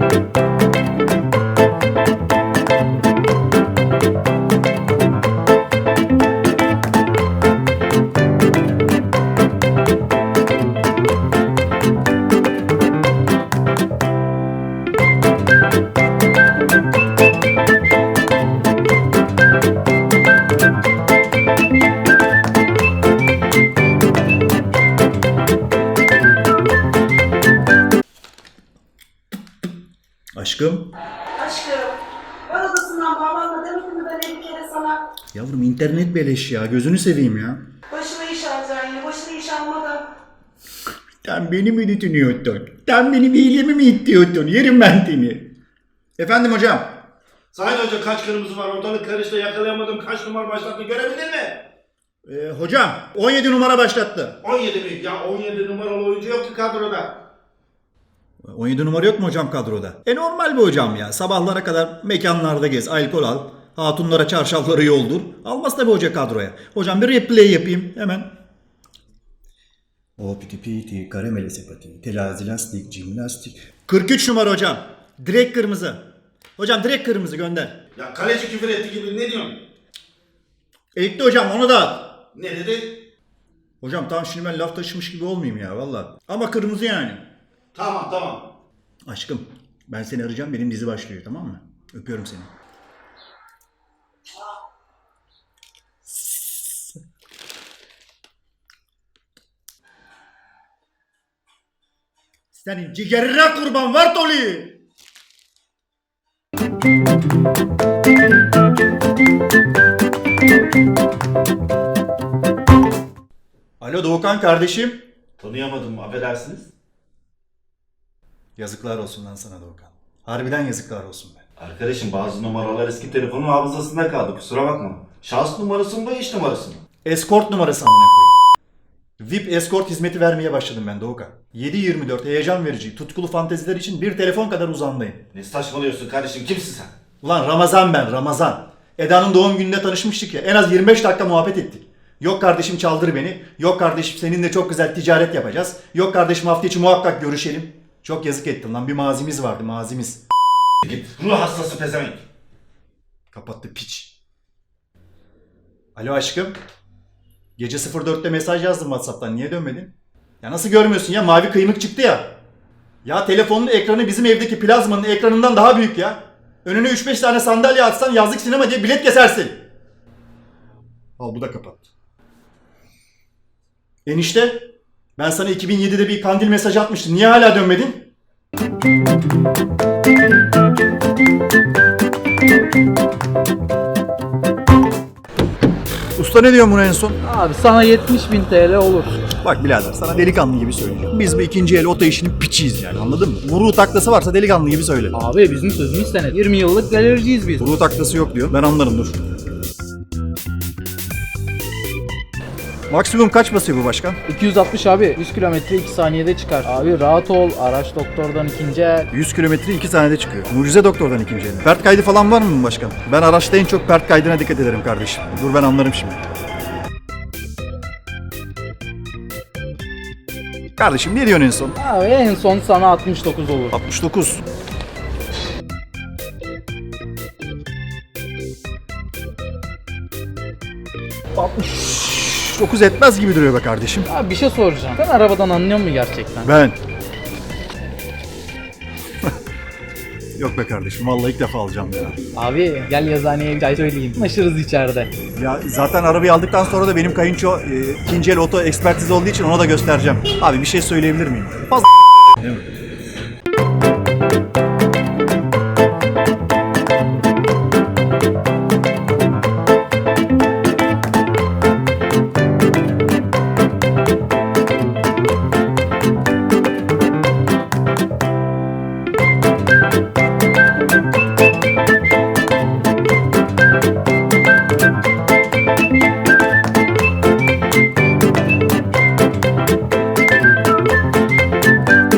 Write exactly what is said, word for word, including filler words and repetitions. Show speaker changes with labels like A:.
A: Aşkım.
B: Aşkım, ben odasından bağlanma demedim mi ben elli kere sana?
A: Yavrum internet beleş ya. Gözünü seveyim ya.
B: Başına iş alacaksın yine, başına iş almadan.
A: Sen beni mi düşünüyordun? Sen benim iyiliğimi mi ittiyordun? Yerim ben seni. Efendim hocam.
C: Sayın Hoca kaç kırmızı var ortalık karıştı yakalayamadım kaç numara başlattı görebildin mi?
A: Ee, hocam on yedi numara başlattı.
C: on yedi mi? Ya on yedi numaralı oyuncu yok ki kadroda.
A: on yedi numara yok mu hocam kadroda? E normal bir hocam ya. Sabahlara kadar mekanlarda gez, alkol al. Hatunlara çarşafları yoldur. Almaz tabii hoca kadroya. Hocam bir replay yapayım hemen. O piti piti, karamele sepati, telazi lastik, jimnastik. kırk üç numara hocam. Direkt kırmızı. Hocam direkt kırmızı gönder.
C: Ya kaleci küfür etti gibi ne diyorsun?
A: Elikli hocam onu da at.
C: Ne dedi?
A: Hocam tamam şimdi ben laf taşımış gibi olmayayım ya valla. Ama kırmızı yani.
C: Tamam tamam.
A: Aşkım ben seni arayacağım benim dizi başlıyor tamam mı? Öpüyorum seni. Senin ciğerine kurban var Toli. Alo Doğukan kardeşim.
C: Tanıyamadım affedersiniz.
A: Yazıklar olsun lan sana Doğukan. Harbiden yazıklar olsun be.
C: Arkadaşım bazı numaralar eski telefonun hafızasında kaldı kusura bakma. Şahıs numarası mı iş numarası mı?
A: Escort numarası amına koyayım. V I P escort hizmeti vermeye başladım ben Doğukan. yedi yirmi dört heyecan verici, tutkulu fanteziler için bir telefon kadar uzandayım.
C: Ne saçmalıyorsun kardeşim kimsin sen?
A: Ulan Ramazan ben Ramazan. Eda'nın doğum gününde tanışmıştık ya en az yirmi beş dakika muhabbet ettik. Yok kardeşim çaldır beni. Yok kardeşim seninle çok güzel ticaret yapacağız. Yok kardeşim hafta içi muhakkak görüşelim. Çok yazık ettim lan bir mazimiz vardı mazimiz.
C: Git ruh hastası pezevenk.
A: Kapattı piç. Alo aşkım. Gece sıfır dörtte mesaj yazdım WhatsApp'tan. Niye dönmedin? Ya nasıl görmüyorsun ya? Mavi kıymık çıktı ya. Ya telefonun ekranı bizim evdeki plazmanın ekranından daha büyük ya. Önüne üç beş tane sandalye atsan yazlık sinema diye bilet kesersin. Al bu da kapattı. Enişte ben sana iki bin yedide bir kandil mesajı atmıştım. Niye hala dönmedin? Usta ne diyorsun buna en son?
D: Abi sana yetmiş bin T L olur.
A: Bak birader sana delikanlı gibi söyleyeceğim. Biz bu ikinci el oto işinin piçiyiz yani anladın mı? Vuruğu taklası varsa delikanlı gibi söyle.
D: Abi bizim sözümüz senet. yirmi yıllık galericiyiz biz.
A: Vuruğu taklası yok diyor. Ben anlarım dur. Maksimum kaç basıyor bu başkan?
D: iki yüz altmış abi. yüz kilometre iki saniyede çıkar. Abi rahat ol. Araç doktordan ikinci el.
A: yüz kilometre iki saniyede çıkıyor. Mucize doktordan ikinci el. Pert kaydı falan var mı başkan? Ben araçta en çok pert kaydına dikkat ederim kardeşim. Dur ben anlarım şimdi. Kardeşim ne diyorsun en son?
D: Abi en son sana altmış dokuz olur.
A: altmış dokuz. altmış dokuz etmez gibi duruyor be kardeşim.
D: Abi bir şey soracağım. Sen arabadan anlıyor musun gerçekten?
A: Ben. Yok be kardeşim vallahi ilk defa alacağım ya.
D: Abi gel yazıhaneye bir çay söyleyeyim. Anlaşırız içeride.
A: Ya zaten arabayı aldıktan sonra da benim kayınço e, ikinci el oto ekspertiz olduğu için ona da göstereceğim. Abi bir şey söyleyebilir miyim? Fazla değil mi?